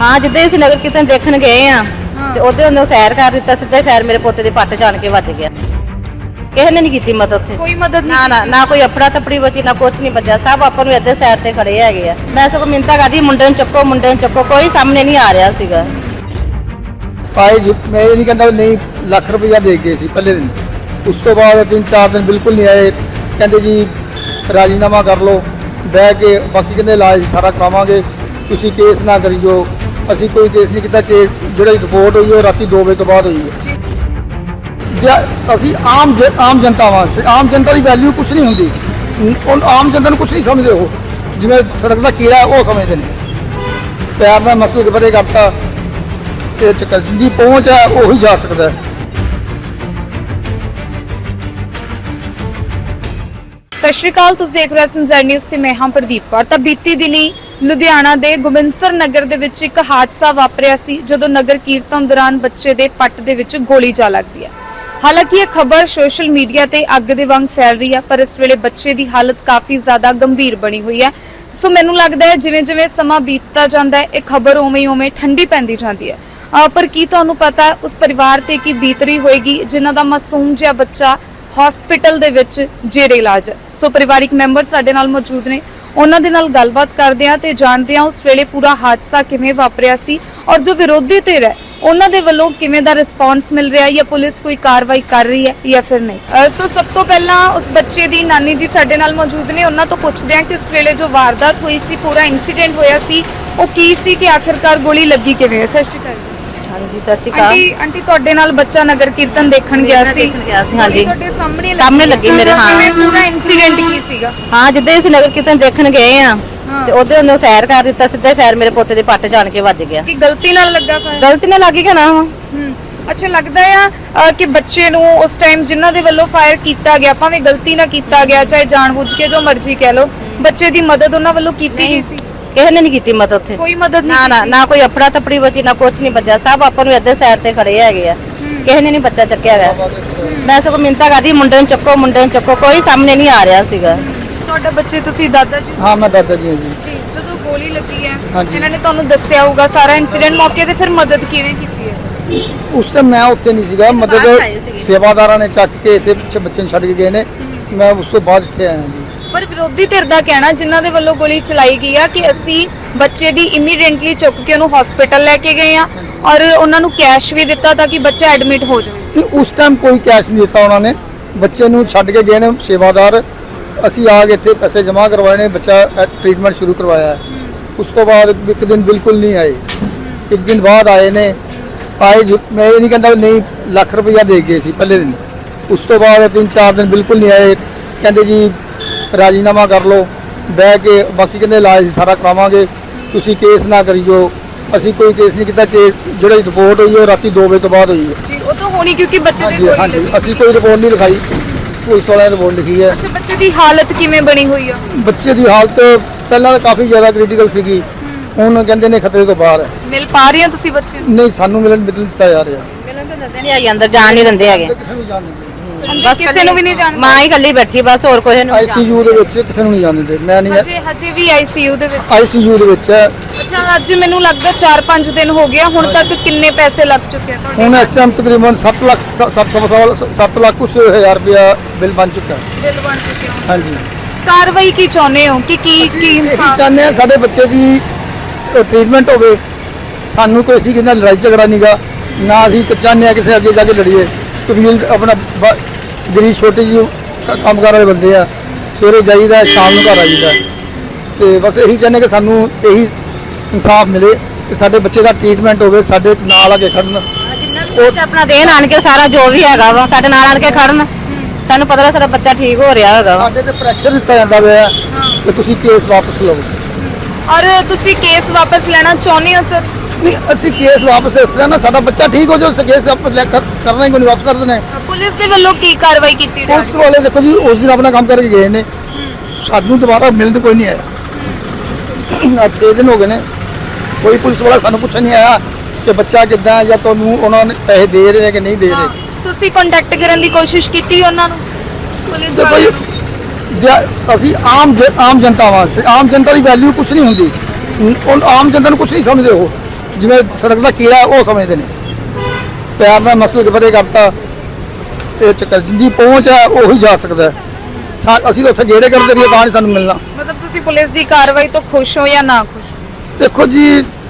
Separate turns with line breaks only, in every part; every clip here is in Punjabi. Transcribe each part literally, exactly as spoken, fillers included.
हाँ जिद्दां असीं नगर कीर्तन देखण गए आ ते ओदे ओने फैर कर दित्ता, सीधा फैर मेरे पोते दे पट्ट जान के वज गया। किसी ने नहीं की मदद उत्थे,
कोई मदद
ना ना ना कोई अपना तपड़ी बची ना कुछ नहीं बचा। सब आपां नूं इधर साइड ते खड़े हैगे आ। मैं सगों मिन्नतां करदी मुंडे नूं चुक्को मुंडे नूं चुक्को, कोई सामने नहीं आ रहा सीगा।
आए मैं ये नहीं कहता नहीं ਲੱਖ ਰੁਪਇਆ ਦੇ ਗਏ ਸੀ ਪਹਿਲੇ ਦਿਨ, ਉਸ ਤੋਂ ਬਾਅਦ ਤਿੰਨ ਚਾਰ ਦਿਨ ਬਿਲਕੁਲ ਨਹੀਂ ਆਏ। ਕਹਿੰਦੇ ਜੀ ਰਾਜੀਨਾਮਾ ਕਰ ਲਓ ਬਹਿ ਕੇ, ਬਾਕੀ ਕਹਿੰਦੇ ਇਲਾਜ ਸਾਰਾ ਕਰਾਵਾਂਗੇ, ਤੁਸੀਂ ਕੇਸ ਨਾ ਕਰਿਓ। ਅਸੀਂ ਕੋਈ ਕੇਸ ਨਹੀਂ ਕੀਤਾ। ਕਿ ਜਿਹੜੀ ਰਿਪੋਰਟ ਹੋਈ ਉਹ ਰਾਤੀ ਦੋ ਵਜੇ ਤੋਂ ਬਾਅਦ ਹੋਈ ਹੈ। ਅਸੀਂ ਆਮ ਆਮ ਜਨਤਾ ਵਾਂ, ਆਮ ਜਨਤਾ ਦੀ ਵੈਲਿਊ ਕੁਛ ਨਹੀਂ ਹੁੰਦੀ। ਉਹ ਆਮ ਜਨਤਾ ਨੂੰ ਕੁਛ ਨਹੀਂ ਸਮਝਦੇ, ਉਹ ਜਿਵੇਂ ਸੜਕ ਦਾ ਕੀੜਾ ਉਹ ਸਮਝਦੇ ਨੇ। ਪਿਆਰ ਨਾਲ ਮਸਲੇ ਬਾਰੇ ਕਰਤਾ ਤੇ ਚੱਕਰ ਜਿੰਦੀ ਪਹੁੰਚ ਹੈ ਉਹੀ ਜਾ ਸਕਦਾ ਹੈ।
ਸਤਿ ਸ਼੍ਰੀ ਅਕਾਲ, ਤੁਸੀਂ ਦੇਖ ਰਹੇ ਹੋ ਸੰਜਰ ਨਿਊਜ਼ ਤੇ ਮੈਂ ਹਾਂ ਪ੍ਰਦੀਪ ਕੌਰ। ਤਾਂ ਬੀਤੀ ਦਿਨੀ ਲੁਧਿਆਣਾ ਦੇ ਗੋਬਿੰਦਸਰ ਨਗਰ ਦੇ ਵਿੱਚ ਇੱਕ ਹਾਦਸਾ ਵਾਪਰਿਆ ਸੀ, ਜਦੋਂ ਨਗਰ ਕੀਰਤਨ ਦੌਰਾਨ ਬੱਚੇ ਦੇ ਪੱਟ ਦੇ ਵਿੱਚ ਗੋਲੀ ਜਾ ਲੱਗਦੀ ਹੈ। ਹਾਲਾਂਕਿ ਇਹ ਖਬਰ ਸੋਸ਼ਲ ਮੀਡੀਆ ਤੇ ਅੱਗ ਦੇ ਵਾਂਗ ਫੈਲ ਰਹੀ ਹੈ, ਪਰ ਇਸ ਵੇਲੇ ਬੱਚੇ ਦੀ ਹਾਲਤ ਕਾਫੀ ਜ਼ਿਆਦਾ ਗੰਭੀਰ ਬਣੀ ਹੋਈ ਹੈ। ਸੋ ਮੈਨੂੰ ਲੱਗਦਾ ਹੈ ਜਿਵੇਂ ਜਿਵੇਂ ਸਮਾਂ ਬੀਤਦਾ ਜਾਂਦਾ ਹੈ ਇਹ ਖਬਰ ਉਵੇਂ ਉਵੇਂ ਠੰਡੀ ਪੈਂਦੀ ਜਾਂਦੀ ਹੈ। ਪਰ ਕੀ ਤੁਹਾਨੂੰ ਪਤਾ ਹੈ ਉਸ ਪਰਿਵਾਰ ਤੇ ਕੀ ਬੀਤ ਰਹੀ ਹੋਏਗੀ ਜਿਨ੍ਹਾਂ ਦਾ ਮਾਸੂਮ ਜਿਹਾ ਬੱਚਾ ਹਸਪੀਟਲ ਦੇ ਵਿੱਚ ਜੇਰੇ ਇਲਾਜ। ਸੋ ਪਰਿਵਾਰਿਕ ਮੈਂਬਰ ਸਾਡੇ ਨਾਲ ਮੌਜੂਦ ਨੇ, ਉਹਨਾਂ ਦੇ ਨਾਲ ਗੱਲਬਾਤ ਕਰਦੇ ਆ ਤੇ ਜਾਣਦੇ ਆ ਉਸ ਵੇਲੇ ਪੂਰਾ ਹਾਦਸਾ ਕਿਵੇਂ ਵਾਪਰਿਆ ਸੀ ਔਰ ਜੋ ਵਿਰੋਧੀ ਧਿਰ ਹੈ ਉਹਨਾਂ ਦੇ ਵੱਲੋਂ ਕਿਵੇਂ ਦਾ ਰਿਸਪੌਂਸ ਮਿਲ ਰਿਹਾ, ਜਾਂ ਪੁਲਿਸ ਕੋਈ ਕਾਰਵਾਈ ਕਰ ਰਹੀ ਹੈ ਜਾਂ ਫਿਰ ਨਹੀਂ। ਸੋ ਸਭ ਤੋਂ ਪਹਿਲਾਂ ਉਸ ਬੱਚੇ ਦੀ ਨਾਨੀ ਜੀ ਸਾਡੇ ਨਾਲ ਮੌਜੂਦ ਨੇ, ਉਹਨਾਂ ਤੋਂ ਪੁੱਛਦੇ ਆ ਕਿ ਉਸ ਵੇਲੇ ਜੋ ਵਾਰਦਾਤ ਹੋਈ ਸੀ, ਪੂਰਾ ਇਨਸੀਡੈਂਟ ਹੋਇਆ ਸੀ, ਉਹ ਕੀ ਸੀ ਕਿ ਆਖਿਰਕਾਰ ਗੋਲੀ ਲੱਗੀ ਕਿਵੇਂ ਹੈ। ਸਤਿ ਸ਼੍ਰੀ ਅਕਾਲ
हाँ जी सत श्री अकाल।
ਆਂਟੀ ਆਂਟੀ ਤੁਹਾਡੇ ਨਾਲ ਬੱਚਾ ਨਗਰ ਕੀਰਤਨ ਦੇਖਣ ਗਿਆ ਸੀ?
देखण गया सी, हाँ जी
ਤੁਹਾਡੇ ਸਾਹਮਣੇ
सामने लगी मेरे। हाँ
ਕਿਵੇਂ ਪੂਰਾ ਇਨਸੀਡੈਂਟ ਕੀ ਸੀਗਾ?
हाँ जिद्दां असीं नगर कीर्तन देखण गए आ ते ओदे ओने फैर कर दित्ता, सीधा फैर मेरे पोते दे पट्ट जान के वज गया।
ਕਿ ਗਲਤੀ ਨਾਲ ਲੱਗਾ ਫਾਇਰ?
गलती नाल लग गया ना।
ਹੂੰ ਅੱਛਾ, ਲੱਗਦਾ ਆ ਅ, ਕਿ ਬੱਚੇ ਨੂੰ ਉਸ ਟਾਈਮ ਜਿਨ੍ਹਾਂ ਦੇ ਵੱਲੋਂ ਫਾਇਰ ਕੀਤਾ ਗਿਆ, ਭਾਵੇਂ ਗਲਤੀ ਨਾਲ ਕੀਤਾ ਗਿਆ ਚਾਹੇ ਜਾਣਬੁੱਝ ਕੇ, ਜੋ ਮਰਜ਼ੀ ਕਹਿ ਲਓ, ਬੱਚੇ ਦੀ ਮਦਦ ਉਹਨਾਂ ਵੱਲੋਂ ਕੀਤੀ ਗਈ ਸੀ?
किसी ने नहीं की मदद उत्थे,
ਕੋਈ ਮਦਦ
ना
ਨਹੀਂ
ना ना कोई अपना तपड़ी बची ना कुछ नहीं बचा। सब आपां नूं इधर साइड ते खड़े हैगे आ। किसी ने नहीं बच्चा चक्किया गया। मैं सगों मिन्नतां करदी मुंडे नूं चुक्को मुंडे नूं चुक्को, कोई सामने नहीं आ रहा सीगा।
ਤੁਹਾਡੇ ਬੱਚੇ ਤੁਸੀਂ ਦਾਦਾ ਜੀ?
ਹਾਂ ਮੈਂ ਦਾਦਾ ਜੀ ਹਾਂ ਜੀ।
ਜੀ, ਜਦੋਂ ਗੋਲੀ ਲੱਗੀ ਹੈ
ਹਾਂਜੀ।
ਇਹਨਾਂ ਨੇ ਤੁਹਾਨੂੰ ਦੱਸਿਆ ਹੋਊਗਾ ਸਾਰਾ ਇਨਸੀਡੈਂਟ, ਮੌਕੇ ਤੇ ਫਿਰ ਮਦਦ ਕਿਵੇਂ ਕੀਤੀ ਹੈ?
ਉਸ ਟਾਈਮ ਮੈਂ ਉੱਥੇ ਨਹੀਂ ਸੀਗਾ, ਮਦਦ
ਬਾਹਰ ਆਏ ਸੀਗੇ।
ਸੇਵਾਦਾਰਾਂ ਨੇ ਚੱਕ ਕੇ ਇੱਥੇ ਪਿੱਛੇ ਬੱਚੇ ਨੂੰ ਛੱਡ ਕੇ ਗਏ ਨੇ। ਮੈਂ ਉਸ ਤੋਂ ਬਾਅਦ ਇੱਥੇ ਆਇਆ ਜੀ।
ਪਰ ਵਿਰੋਧੀ ਧਿਰ ਦਾ ਕਹਿਣਾ, ਜਿਨ੍ਹਾਂ ਦੇ ਵੱਲੋਂ ਗੋਲੀ ਚਲਾਈ ਗਈ ਆ, ਕਿ ਅਸੀਂ ਬੱਚੇ ਦੀ ਇਮੀਡੀਏਟਲੀ ਚੁੱਕ ਕੇ ਉਹਨੂੰ ਹਸਪੀਟਲ ਲੈ ਕੇ ਗਏ ਆ ਔਰ ਉਹਨਾਂ ਨੂੰ ਕੈਸ਼ ਵੀ ਦਿੱਤਾ ਤਾਂ ਕਿ ਬੱਚਾ ਐਡਮਿਟ ਹੋ ਜਾਵੇ।
ਨਹੀਂ ਉਸ ਟਾਈਮ ਕੋਈ ਕੈਸ਼ ਨਹੀਂ ਦਿੱਤਾ ਉਹਨਾਂ ਨੇ, ਬੱਚੇ ਨੂੰ ਛੱਡ ਕੇ ਗਏ ਨੇ ਸੇਵਾਦਾਰ। ਅਸੀਂ ਆ ਕੇ ਇੱਥੇ ਪੈਸੇ ਜਮ੍ਹਾਂ ਕਰਵਾਏ ਨੇ, ਬੱਚਾ ਟ੍ਰੀਟਮੈਂਟ ਸ਼ੁਰੂ ਕਰਵਾਇਆ ਹੈ। ਉਸ ਤੋਂ ਬਾਅਦ ਇੱਕ ਦਿਨ ਬਿਲਕੁਲ ਨਹੀਂ ਆਏ, ਇੱਕ ਦਿਨ ਬਾਅਦ ਆਏ ਨੇ। ਆਏ ਮੈਂ ਇਹ ਨਹੀਂ ਕਹਿੰਦਾ ਨਹੀਂ ਲੱਖ ਰੁਪਇਆ ਦੇ ਗਏ ਸੀ ਪਹਿਲੇ ਦਿਨ, ਉਸ ਤੋਂ ਬਾਅਦ ਤਿੰਨ ਚਾਰ ਦਿਨ ਬਿਲਕੁਲ ਨਹੀਂ ਆਏ। ਕਹਿੰਦੇ ਜੀ ਰਾਜੀਨਾਮਾ ਕਰ ਲਓ ਬਹਿ ਕੇ, ਬਾਕੀ ਕਹਿੰਦੇ ਇਲਾਜ ਸਾਰਾ ਕਰਾਵਾਂਗੇ, ਤੁਸੀਂ ਕੇਸ ਨਾ ਕਰਿਓ। ਅਸੀਂ ਕੋਈ ਕੇਸ ਨਹੀਂ ਕੀਤਾ। ਕਿ ਜਿਹੜੀ ਰਿਪੋਰਟ ਹੋਈ ਉਹ ਰਾਤੀ ਦੋ ਵਜੇ ਤੋਂ ਬਾਅਦ ਹੋਈ ਹੈ।
ਜੀ, ਉਹ ਤਾਂ ਹੋਣੀ ਕਿਉਂਕਿ ਬੱਚੇ ਦੀ
ਹਾਂਜੀ
ਗੋਲੀ
ਹਾਂਜੀ
ਲੱਗੀ।
ਅਸੀਂ ਕੋਈ ਰਿਪੋਰਟ ਨਹੀਂ ਲਿਖਾਈ, ਪੁਲਿਸ ਵਾਲਿਆਂ ਨੇ ਰਿਪੋਰਟ ਲਿਖੀ ਹੈ।
ਅੱਛਾ, ਬੱਚੇ ਦੀ ਹਾਲਤ ਕਿਵੇਂ ਬਣੀ ਹੋਈ ਆ?
ਬੱਚੇ ਦੀ ਹਾਲਤ ਪਹਿਲਾਂ ਤਾਂ ਕਾਫੀ ਜ਼ਿਆਦਾ ਕ੍ਰਿਟੀਕਲ ਸੀਗੀ, ਹੁਣ ਕਹਿੰਦੇ ਨੇ ਖਤਰੇ ਤੋਂ ਬਾਹਰ ਹੈ।
ਮਿਲ ਪਾ ਰਹੇ ਆ ਤੁਸੀਂ ਬੱਚੇ ਨੂੰ?
ਨਹੀਂ ਸਾਨੂੰ ਮਿਲਣ ਮਿਲ ਦਿੱਤਾ ਜਾ ਰਿਹਾ।
मिलन तो दिंदे नहीं, आई अंदर जान नहीं दिंदे हैगे।
ਕਿਸੇ ਨੂੰ ਜਾਣ ਦਿੰਦੇ
ਅੰਦਰ ਕਿਸੇ ਨੂੰ ਵੀ ਨਹੀਂ ਜਾਣ?
मां ही कल्ली बैठी बस, और कोई नहीं।
ਆਈਸੀਯੂ ਦੇ ਵਿੱਚ ਕਿਸੇ ਨੂੰ ਨਹੀਂ ਜਾਣ ਦਿੰਦੇ। ਮੈਂ ਨਹੀਂ
ਹਜੇ ਹਜੇ ਵੀ ਆਈਸੀਯੂ ਦੇ ਵਿੱਚ?
ਆਈਸੀਯੂ ਦੇ ਵਿੱਚ ਹੈ।
ਅੱਛਾ, ਅੱਜ ਮੈਨੂੰ ਲੱਗਦਾ ਚਾਰ ਪੰਜ ਦਿਨ ਹੋ ਗਿਆ, ਹੁਣ ਤੱਕ ਕਿੰਨੇ ਪੈਸੇ ਲੱਗ ਚੁੱਕੇ ਆ ਤੁਹਾਡੇ?
ਹੁਣ ਇਸ ਟਾਈਮ ਤਕਰੀਬਨ ਸੱਤ ਲੱਖ ਸੱਤ ਲੱਖ ਕੁਛ ਹਜ਼ਾਰ ਰੁਪਇਆ ਬਿੱਲ ਬਣ ਚੁੱਕਾ ਹੈ।
ਬਿੱਲ ਬਣ ਚੁੱਕੇ ਹੋ?
ਹਾਂਜੀ।
ਕਾਰਵਾਈ ਕੀ ਚਾਹੁੰਦੇ ਹੋ ਕਿ ਕੀ ਕੀ
ਇਹੀ ਚਾਹੁੰਦੇ ਹਾਂ ਸਾਡੇ ਬੱਚੇ ਦੀ ਟ੍ਰੀਟਮੈਂਟ ਹੋਵੇ। ਸਾਨੂੰ ਕੋਈ ਸੀ ਕਿੰਨਾ ਲੜਾਈ ਝਗੜਾ ਨਹੀਂਗਾ, ਨਾ ਅਸੀਂ ਚਾਹੁੰਦੇ ਹਾਂ ਕਿਸੇ ਅੱਗੇ ਜਾ ਕੇ ਲੜੀਏ। ਕਬੀਲ ਆਪਣਾ ਬ- ਗਰੀਬ ਛੋਟੇ ਜਿਹੇ ਕੰਮਕਾਰ ਵਾਲੇ ਬੰਦੇ ਆ, ਸਵੇਰੇ ਜਾਈਦਾ ਸ਼ਾਮ ਨੂੰ ਘਰ ਆਈਦਾ। ਤੇ ਬਸ ਇਹੀ ਚਾਹੁੰਦੇ ਕਿ ਸਾਨੂੰ ਇਹੀ ਇਨਸਾਫ ਮਿਲੇ ਕਿ ਸਾਡੇ ਬੱਚੇ ਦਾ ਟ੍ਰੀਟਮੈਂਟ ਹੋਵੇ, ਸਾਡੇ ਨਾਲ ਆ ਕੇ ਖੜਨ।
ਉਹ ਆਪਣਾ ਦੇਣ ਆਣ ਕੇ ਸਾਰਾ ਜੋ ਵੀ ਹੈਗਾ ਵਾ ਸਾਡੇ ਨਾਲ ਆਣ ਕੇ ਖੜਨ, ਸਾਨੂੰ ਪਤਾ ਲੱਗ ਸਾਡਾ ਬੱਚਾ ਠੀਕ ਹੋ ਰਿਹਾ ਹੈਗਾ ਵਾ।
ਸਾਡੇ ਤੇ ਪ੍ਰੈਸ਼ਰ ਦਿੱਤਾ ਜਾਂਦਾ ਹੋਇਆ ਕਿ ਤੁਸੀਂ ਕੇਸ ਵਾਪਸ ਲਓ।
ਔਰ ਤੁਸੀਂ ਕੇਸ ਵਾਪਸ ਲੈਣਾ ਚਾਹੁੰਦੇ ਹੋ ਸਰ?
ਨਹੀਂ ਅਸੀਂ ਕੇਸ ਵਾਪਸ ਇਸ ਤਰ੍ਹਾਂ ਨਾ ਸਾਡਾ ਬੱਚਾ ਠੀਕ ਹੋ ਜਾਓ, ਕੇਸ ਵਾਪਸ ਲੈ ਕਰ- ਕਰਨਾ ਹੀ ਕੋਈ ਨਹੀਂ, ਵਾਪਸ ਕਰ ਦੇਣਾ ਹੈ।
ਪੁਲਿਸ ਦੇ ਵੱਲੋਂ ਕੀ ਕਾਰਵਾਈ ਕੀਤੀ ਜਾ
ਪੁਲਿਸ ਵਾਲੇ ਦੇਖੋ ਜੀ ਉਸ ਦਿਨ ਆਪਣਾ ਕੰਮ ਕਰਕੇ ਗਏ ਨੇ, ਸਾਨੂੰ ਦੁਬਾਰਾ ਮਿਲਣ ਕੋਈ ਨਹੀਂ ਆਇਆ। ਅੱਜ ਛੇ ਦਿਨ ਹੋ ਗਏ ਨੇ, ਕੋਈ ਪੁਲਿਸ ਵਾਲਾ ਸਾਨੂੰ ਪੁੱਛਣ ਨਹੀਂ ਆਇਆ ਕਿ ਬੱਚਾ ਕਿੱਦਾਂ ਹੈ ਜਾਂ ਤੁਹਾਨੂੰ ਉਹਨਾਂ ਨੇ ਪੈਸੇ ਦੇ ਰਹੇ ਕਿ ਨਹੀਂ ਦੇ ਰਹੇ।
ਤੁਸੀਂ ਕੰਟੈਕਟ ਕਰਨ ਦੀ ਕੋਸ਼ਿਸ਼ ਕੀਤੀ ਉਹਨਾਂ ਨੂੰ, ਪੁਲਿਸ
ਦੇਖੋ
ਵਾਲਿਆਂ
ਜੀ
ਨੂੰ?
ਦਿਆ- ਅਸੀਂ ਆਮ ਜ- ਆਮ ਜਨਤਾ ਵਾਂ, ਆਮ ਜਨਤਾ ਦੀ ਵੈਲਿਊ ਕੁਛ ਨਹੀਂ ਹੁੰਦੀ। ਉਹ ਆਮ ਜਨਤਾ ਨੂੰ ਕੁਛ ਨਹੀਂ ਸਮਝਦੇ, ਉਹ ਜਿਵੇਂ ਸੜਕ ਦਾ ਕੀੜਾ ਉਹ ਸਮਝਦੇ ਨੇ। ਪਿਆਰ ਨਾਲ ਮਸਲ ਪਰੇ ਕਰਤਾ ਤੇ ਚੱਕਰ ਜਿੰਦੀ ਪਹੁੰਚ ਹੈ ਉਹੀ ਜਾ ਸਕਦਾ ਹੈ। ਸਾ- ਅਸੀਂ ਤਾਂ ਉੱਥੇ ਗੇੜੇ ਕਰਦੇ ਰਹੀਏ ਤਾਂ ਨਹੀਂ ਸਾਨੂੰ ਮਿਲਣਾ।
ਮਤਲਬ ਤੁਸੀਂ ਪੁਲਿਸ ਦੀ ਕਾਰਵਾਈ ਤੋਂ ਖੁਸ਼ ਹੋ ਜਾਂ ਨਾ ਖੁਸ਼?
ਦੇਖੋ ਜੀ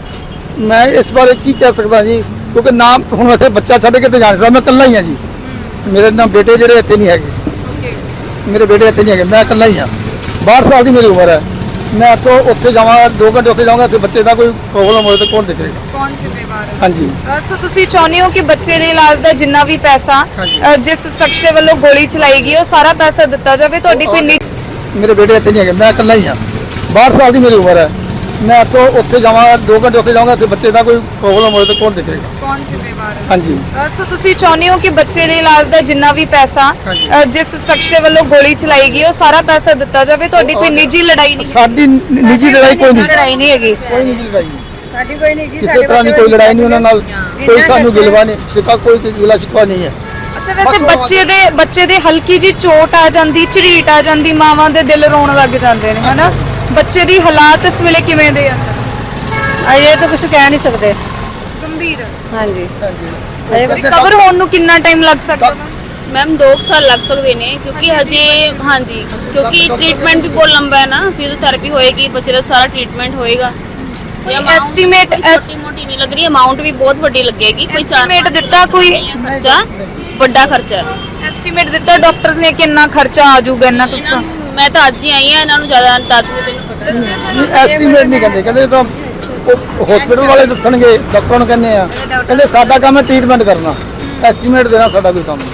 ਮੈਂ ਇਸ ਬਾਰੇ ਕੀ ਕਹਿ ਸਕਦਾ ਜੀ, ਕਿਉਂਕਿ ਨਾ ਹੁਣ ਇੱਥੇ ਬੱਚਾ ਛੱਡ ਕੇ ਤੇ ਜਾਣ ਸਕਦਾ, ਮੈਂ ਇਕੱਲਾ ਹੀ ਹਾਂ ਜੀ। ਮੇਰੇ ਨਾਲ ਬੇਟੇ ਜਿਹੜੇ ਇੱਥੇ ਨਹੀਂ ਹੈਗੇ,
ਓਕੇ।
ਮੇਰੇ ਬੇਟੇ ਇੱਥੇ ਨਹੀਂ ਹੈਗੇ, ਮੈਂ ਇਕੱਲਾ ਹੀ ਹਾਂ। ਬਾਹਠ ਸਾਲ ਦੀ ਮੇਰੀ ਉਮਰ ਹੈ। ਮੈਂ ਇੱਥੋਂ ਉੱਥੇ ਜਾਵਾਂ ਦੋ ਘੰਟੇ ਉੱਥੇ ਜਾਵਾਂਗਾ ਤੇ ਬੱਚੇ ਦਾ ਕੋਈ ਪ੍ਰੋਬਲਮ ਹੋਏ ਤਾਂ ਕੌਣ ਦੇਖੇਗਾ?
ਕੌਣ ਜ਼ਿੰਮੇਵਾਰ ਹੈ?
ਹਾਂਜੀ
ਅ, ਸੋ ਤੁਸੀਂ ਚਾਹੁੰਦੇ ਹੋ ਕਿ ਬੱਚੇ ਦੇ ਇਲਾਜ ਦਾ ਜਿੰਨਾ ਵੀ ਪੈਸਾ
ਹਾਂਜੀ।
ਅ, ਜਿਸ ਸ਼ਖਸ ਦੇ ਵੱਲੋਂ ਗੋਲੀ ਚਲਾਈ ਗਈ ਉਹ ਸਾਰਾ ਪੈਸਾ ਦਿੱਤਾ ਜਾਵੇ? ਤੁਹਾਡੀ ਕੋਈ ਨਿੱਜੀ
ਮੇਰੇ ਬੇਟੇ ਇੱਥੇ ਨਹੀਂ ਹੈਗੇ, ਮੈਂ ਇਕੱਲਾ ਹੀ ਹਾਂ। ਬਾਹਠ ਸਾਲ ਦੀ ਮੇਰੀ ਉਮਰ ਹੈ। ਮੈਂ ਇੱਥੋਂ ਉੱਥੇ ਜਾਵਾਂ ਦੋ ਘੰਟੇ ਉੱਥੇ ਜਾਵਾਂਗਾ ਤੇ ਬੱਚੇ ਦਾ ਕੋਈ ਪ੍ਰੋਬਲਮ ਹੋਏ ਤਾਂ ਕੌਣ ਦੇਖੇਗਾ?
ਕੌਣ ਜ਼ਿੰਮੇਵਾਰ ਹੈ?
ਹਾਂਜੀ
ਅ, ਸੋ ਤੁਸੀਂ ਚਾਹੁੰਦੇ ਹੋ ਕਿ ਬੱਚੇ ਦੇ ਇਲਾਜ ਦਾ ਜਿੰਨਾ ਵੀ ਪੈਸਾ
ਹਾਂਜੀ।
ਅ, ਜਿਸ ਸ਼ਖਸ ਦੇ ਵੱਲੋਂ ਗੋਲੀ ਚਲਾਈ ਗਈ ਉਹ ਸਾਰਾ ਪੈਸਾ ਦਿੱਤਾ ਜਾਵੇ? ਤੁਹਾਡੀ ਕੋਈ ਨਿੱਜੀ ਲੜਾਈ ਨਹੀਂ?
ਸਾਡੀ ਨ- ਨਿੱਜੀ ਲੜਾਈ ਕੋਈ ਨਹੀਂ,
ਲੜਾਈ ਨਹੀਂ ਹੈਗੀ
ਕੋਈ ਨਿੱਜੀ ਲੜਾਈ ਨਹੀਂ,
ਸਾਡੀ ਕੋਈ ਨਹੀਂ ਜੀ
ਕਿਸੇ ਤਰ੍ਹਾਂ ਦੀ ਕੋਈ ਲੜਾਈ ਨਹੀਂ ਉਹਨਾਂ ਨਾਲ, ਕੋਈ ਸਾਨੂੰ ਗਿਲਵਾ ਨਹੀਂ, ਸ਼ਿਕਾ ਕੋਈ ਗਿਲਾ ਸ਼ਿਕਵਾ ਨਹੀਂ ਹੈ।
ਅੱਛਾ, ਵੈਸੇ ਬੱਚੇ ਦੇ ਬੱਚੇ ਦੇ ਹਲਕੀ ਜੀ ਚੋਟ ਆ ਜਾਂਦੀ, ਝਰੀਟ ਆ ਜਾਂਦੀ, ਮਾਵਾਂ ਦੇ ਦਿਲ ਰੋਣ ਲੱਗ ਜਾਂਦੇ ਨੇ, ਹਨਾ? ਬੱਚੇ ਦੀ ਹਾਲਾਤ ਇਸ ਵੇਲੇ ਕਿਵੇਂ ਦੇ ਆ?
ਅਜੇ ਤਾਂ ਕੁਝ ਕਹਿ ਨਹੀਂ ਸਕਦੇ।
ਗੰਭੀਰ
ਹਾਂਜੀ
ਰਿਕਵਰ ਹੋਣ ਨੂੰ ਕਿੰਨਾ ਟਾਈਮ ਲੱਗ ਸਕਦਾ?
मैम दो साल लग सकते हैं क्योंकि हजे हाँ जी क्योंकि ट्रीटमेंट भी बहुत लंबा है ना, फिजियोथेरेपी होएगी, बच्चे का सारा ट्रीटमेंट होएगा।
एस्टीमेट
छोटी मोटी नहीं लग रही, अमाउंट भी बहुत बड़ी लगेगी। कोई
एस्टीमेट दिता कोई
खर्चा बड़ा खर्चा है।
एस्टीमेट दिता डॉक्टर्स ने कितना खर्चा आ जाऊगा इतना कुछ?
मैं तो अज ही आई हाँ, इन्होंने ज्यादा दादी ने तेन पता
ਐਸਟੀਮੇਟ ਨਹੀਂ ਕਹਿੰਦੇ, ਕਹਿੰਦੇ ਤਾਂ ਹਸਪੀਟਲ ਵਾਲੇ ਦੱਸਣਗੇ, ਡਾਕਟਰਾਂ ਨੂੰ ਕਹਿੰਦੇ ਆ, ਕਹਿੰਦੇ ਸਾਡਾ ਕੰਮ ਹੈ ਟ੍ਰੀਟਮੈਂਟ ਕਰਨਾ, ਐਸਟੀਮੇਟ ਦੇਣਾ ਸਾਡਾ ਕੋਈ ਕੰਮ ਨਹੀਂ।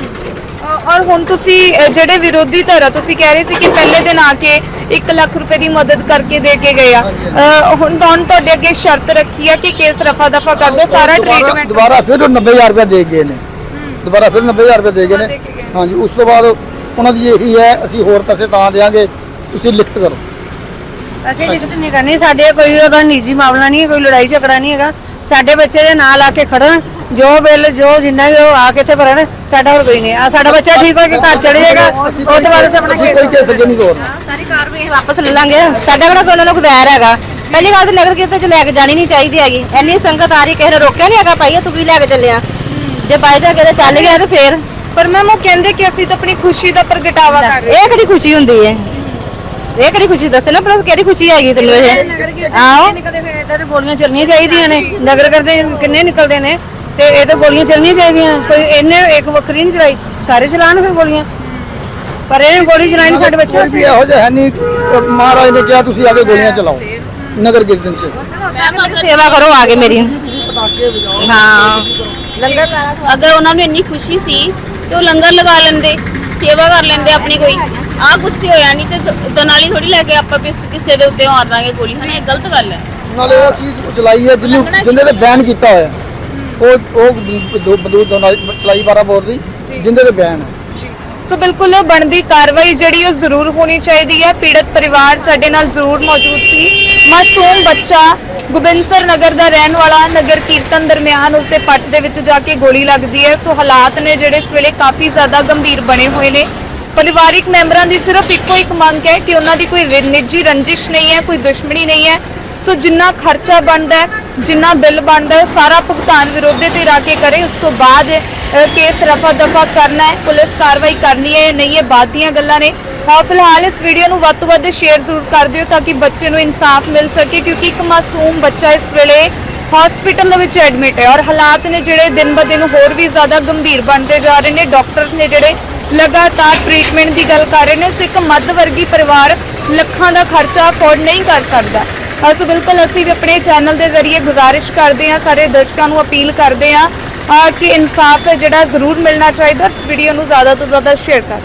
ਔਰ ਹੁਣ ਤੁਸੀਂ ਅ, ਜਿਹੜੇ ਵਿਰੋਧੀ ਧਿਰ ਆ, ਤੁਸੀਂ ਕਹਿ ਰਹੇ ਸੀ ਕਿ ਪਹਿਲੇ ਦਿਨ ਆ ਕੇ ਇੱਕ ਲੱਖ ਰੁਪਏ ਦੀ ਮਦਦ ਕਰਕੇ ਦੇ ਕੇ ਗਏ ਆ, ਅ, ਹੁਣ ਤਾਂ ਤੁਹਾਡੇ ਅੱਗੇ ਸ਼ਰਤ ਰੱਖੀ ਆ ਕਿ ਕੇਸ ਰਫਾ ਦਫਾ ਕਰ ਦੋ, ਸਾਰਾ
ਦੁਬਾਰਾ-
ਟ੍ਰੀਟਮੈਂਟ
ਦੁਬਾਰਾ ਫਿਰ ਉਹ ਨੱਬੇ ਹਜ਼ਾਰ ਰੁਪਏ ਦੇ ਗਏ ਨੇ, ਦੁਬਾਰਾ ਫਿਰ ਨੱਬੇ ਹਜ਼ਾਰ ਰੁਪਏ ਦੇ ਗਏ
ਦੇ
ਨੇ।
ਕੇ ਗਏ।
ਹਾਂਜੀ, ਉਸ ਤੋਂ ਬਾਅਦ ਉਹਨਾਂ ਦੀ ਇਹੀ ਹੈ ਅਸੀਂ ਹੋਰ ਪੈਸੇ ਤਾਂ ਦੇਵਾਂਗੇ ਤੁਸੀਂ ਲਿਖਤ ਕਰੋ।
ਅਸੀਂ ਲਿਖਤ ਨਹੀਂ ਕਰਨੀ, ਸਾਡੇ ਕੋਈ ਉਹਦਾ ਨਿੱਜੀ ਮਾਮਲਾ ਨਹੀਂ ਹੈ, ਕੋਈ ਲੜਾਈ ਝਗੜਾ ਨਹੀਂ ਹੈਗਾ। ਸਾਡੇ ਬੱਚੇ ਦੇ ਨਾਲ ਆ ਕੇ ਖੜਨ, ਜੋ ਬਿੱਲ ਜੋ ਜਿੰਨਾ ਵੀ ਉਹ ਆ ਕੇ ਇੱਥੇ ਭਰਨ, ਸਾਡਾ ਹੋਰ ਕੋਈ ਨਹੀਂ। ਆ ਸਾਡਾ ਬੱਚਾ ਠੀਕ ਹੋ ਕੇ ਘਰ ਚਲੇ ਜਾਏਗਾ, ਉਸ ਤੋਂ ਬਾਅਦ ਅਸੀਂ ਆਪਣਾ
ਅਸੀਂ ਕੋਈ ਕੇਸ ਅੱਗੇ ਨਹੀਂ ਤੋਰਨਾ।
ਸਾਰੀ ਕਾਰਵਾਈ ਵਾਪਸ ਲੈ ਲਾਂਗੇ। ਸਾਡਾ ਕਿਹੜਾ ਕੋਈ ਉਹਨਾਂ ਨੂੰ ਵੈਰ ਹੈਗਾ। ਪਹਿਲੀ ਗੱਲ ਤਾਂ ਨਗਰ ਕੀਰਤਨ ਚ ਲੈ ਕੇ ਜਾਣੀ ਨਹੀਂ ਚਾਹੀਦੀ ਹੈਗੀ। ਇੰਨੀ ਸੰਗਤ ਆ ਰਹੀ, ਕਿਸੇ ਨੇ ਰੋਕਿਆ ਨਹੀਂ ਹੈਗਾ, ਭਾਈ ਤੂੰ ਵੀ ਲੈ ਕੇ ਚੱਲਿਆ। ਜੇ ਬਾਈ ਜਾ ਕੇ ਚੱਲ ਗਿਆ ਤੇ ਫੇਰ
ਪਰ ਮੈਮ ਉਹ ਕਹਿੰਦੇ ਕਿ ਅਸੀਂ ਤਾਂ ਆਪਣੀ ਖੁਸ਼ੀ ਦਾ ਪ੍ਰਗਟਾਵਾ ਕਰ ਰਹੇ
ਇਹ ਕਿਹੜੀ ਖੁਸ਼ੀ ਹੁੰਦੀ ਹੈ? ਇਹ ਕਿਹੜੀ ਖੁਸ਼ੀ ਦੱਸੇ ਨਾ, ਪਰ ਕਿਹੜੀ ਖੁਸ਼ੀ ਹੈਗੀ ਤੈਨੂੰ ਇਹ? ਆਓ ਨਿਕਲਦੇ ਫਿਰ ਇਦਾਂ ਤੇ ਗੋਲੀਆਂ ਚੱਲਣੀਆਂ ਚਾਹੀਦੀਆਂ ਨੇ। ਨਗਰ ਕਰਦੇ ਕਿੰਨੇ ਨਿਕਲਦੇ ਨੇ ਤੇ ਇਹ ਤਾਂ ਗੋਲੀਆਂ ਚੱਲਣੀਆਂ ਚਾਹੀਦੀਆਂ। ਕੋਈ ਇਹਨੇ ਇੱਕ ਵੱਖਰੀ ਨਹੀਂ ਚਲਾਈ, ਸਾਰੇ ਚਲਾਉਣ ਫਿਰ ਗੋਲੀਆਂ, ਪਰ ਇਹਨੇ ਗੋਲੀ ਚਲਾਈ ਨਹੀਂ ਸਾਡੇ ਬੱਚੇ
ਕੋਈ ਵੀ ਇਹੋ ਜਿਹਾ ਹੈ ਨਹੀਂ। ਮਹਾਰਾਜ ਨੇ ਕਿਹਾ ਤੁਸੀਂ ਆਗੇ ਗੋਲੀਆਂ ਚਲਾਓ ਨਗਰ ਕੀਰਤਨ 'ਚ।
ਸੇਵਾ ਕਰੋ ਆ ਕੇ ਮੇਰੀ।
ਪਟਾਕੇ ਵਜਾਓ।
ਹਾਂ ਲੰਗਰ
अगर उन्होंने इन्नी खुशी सी तो लंगर लगा लेंदे, सेवा कर लेंदे अपनी। कोई आ कुछ तो होया नहीं ते दनाली थोड़ी लेके आप पिस्ट किसी दे उत्ते मार ਦਾਂਗੇ ਗੋਲੀ, ਹਨਾ? ਇਹ ਗਲਤ ਗੱਲ ਹੈ।
ਨਾਲੇ ਉਹ ਚੀਜ਼ ਚਲਾਈ ਹੈ ਜਿਹਨੂੰ ਜਿੰਦੇ ਤੇ ਬੈਨ ਕੀਤਾ ਹੋਇਆ, ਉਹ ਉਹ ਦੋ ਬੰਦੂਕ ਚਲਾਈ ਬਾਰਾਂ ਬੋਰ ਦੀ, ਜਿੰਦੇ ਤੇ ਬੈਨ ਹੈ।
ਸੋ ਬਿਲਕੁਲ ਬਣਦੀ ਕਾਰਵਾਈ ਜਿਹੜੀ ਉਹ ਜ਼ਰੂਰ ਹੋਣੀ ਚਾਹੀਦੀ ਹੈ। ਪੀੜਤ ਪਰਿਵਾਰ ਸਾਡੇ ਨਾਲ ਜ਼ਰੂਰ ਮੌਜੂਦ ਸੀ। ਮਾਸੂਮ ਬੱਚਾ ਗੋਬਿੰਦਸਰ ਨਗਰ ਦਾ ਰਹਿਣ ਵਾਲਾ, ਨਗਰ ਕੀਰਤਨ ਦਰਮਿਆਨ ਉਸਦੇ ਪੱਟ ਦੇ ਵਿੱਚ ਜਾ ਕੇ ਗੋਲੀ ਲੱਗਦੀ ਹੈ। ਸੋ ਹਾਲਾਤ ਨੇ ਜਿਹੜੇ ਇਸ ਵੇਲੇ ਕਾਫੀ ਜ਼ਿਆਦਾ ਗੰਭੀਰ ਬਣੇ ਹੋਏ ਨੇ। ਪਰਿਵਾਰਿਕ ਮੈਂਬਰਾਂ ਦੀ ਸਿਰਫ ਇੱਕੋ ਇੱਕ ਮੰਗ ਹੈ ਕਿ ਉਹਨਾਂ ਦੀ ਕੋਈ ਰਿ- ਨਿੱਜੀ ਰੰਜਿਸ਼ ਨਹੀਂ ਹੈ, ਕੋਈ ਦੁਸ਼ਮਣੀ ਨਹੀਂ ਹੈ। ਸੋ ਜਿੰਨਾ ਖਰਚਾ ਬਣਦਾ ਹੈ, ਜਿੰਨਾ ਬਿੱਲ ਬਣਦਾ ਹੈ, ਸਾਰਾ ਭੁਗਤਾਨ ਵਿਰੋਧੀ ਧਿਰ ਆ ਕੇ ਕਰੇ। ਉਸ ਤੋਂ ਬਾਅਦ ਅ, ਕੇਸ ਰਫਾ ਦਫਾ ਕਰਨਾ ਹੈ, ਪੁਲਿਸ ਕਾਰਵਾਈ ਕਰਨੀ ਹੈ ਜਾਂ ਨਹੀਂ, ਇਹ ਬਾਅਦ ਦੀਆਂ ਗੱਲਾਂ ਨੇ। ਹਾਂ, ਫਿਲਹਾਲ ਇਸ ਵੀਡੀਓ ਨੂੰ ਵੱਧ ਤੋਂ ਵੱਧ ਸ਼ੇਅਰ ਜ਼ਰੂਰ ਕਰ ਦਿਓ ਤਾਂ ਕਿ ਬੱਚੇ ਨੂੰ ਇਨਸਾਫ ਮਿਲ ਸਕੇ, ਕਿਉਂਕਿ ਇੱਕ ਮਾਸੂਮ ਬੱਚਾ ਇਸ ਵੇਲੇ ਹਸਪੀਟਲ ਦੇ ਵਿੱਚ ਐਡਮਿਟ ਹੈ ਔਰ ਹਾਲਾਤ ਨੇ ਜਿਹੜੇ ਦਿਨ ਬ ਦਿਨ ਹੋਰ ਵੀ ਜ਼ਿਆਦਾ ਗੰਭੀਰ ਬਣਦੇ ਜਾ ਰਹੇ ਨੇ। ਡਾਕਟਰਸ ਨੇ ਜਿਹੜੇ ਲਗਾਤਾਰ ਟ੍ਰੀਟਮੈਂਟ ਦੀ ਗੱਲ ਕਰ ਰਹੇ ਨੇ। ਸੋ ਇੱਕ ਮੱਧ ਵਰਗੀ ਪਰਿਵਾਰ ਲੱਖਾਂ ਦਾ ਖਰਚਾ ਅਫੋਰਡ ਨਹੀਂ ਕਰ ਸਕਦਾ। ਸੋ ਬਿਲਕੁਲ ਅਸੀਂ ਵੀ ਆਪਣੇ ਚੈਨਲ ਦੇ ਜ਼ਰੀਏ ਗੁਜ਼ਾਰਿਸ਼ ਕਰਦੇ ਹਾਂ, ਸਾਰੇ ਦਰਸ਼ਕਾਂ ਨੂੰ ਅਪੀਲ ਕਰਦੇ ਹਾਂ ਕਿ ਇਨਸਾਫ ਹੈ ਜਿਹੜਾ ਜ਼ਰੂਰ ਮਿਲਣਾ ਚਾਹੀਦਾ। ਇਸ ਵੀਡੀਓ ਨੂੰ ਜ਼ਿਆਦਾ ਤੋਂ ਜ਼ਿਆਦਾ ਸ਼ੇਅਰ ਕਰ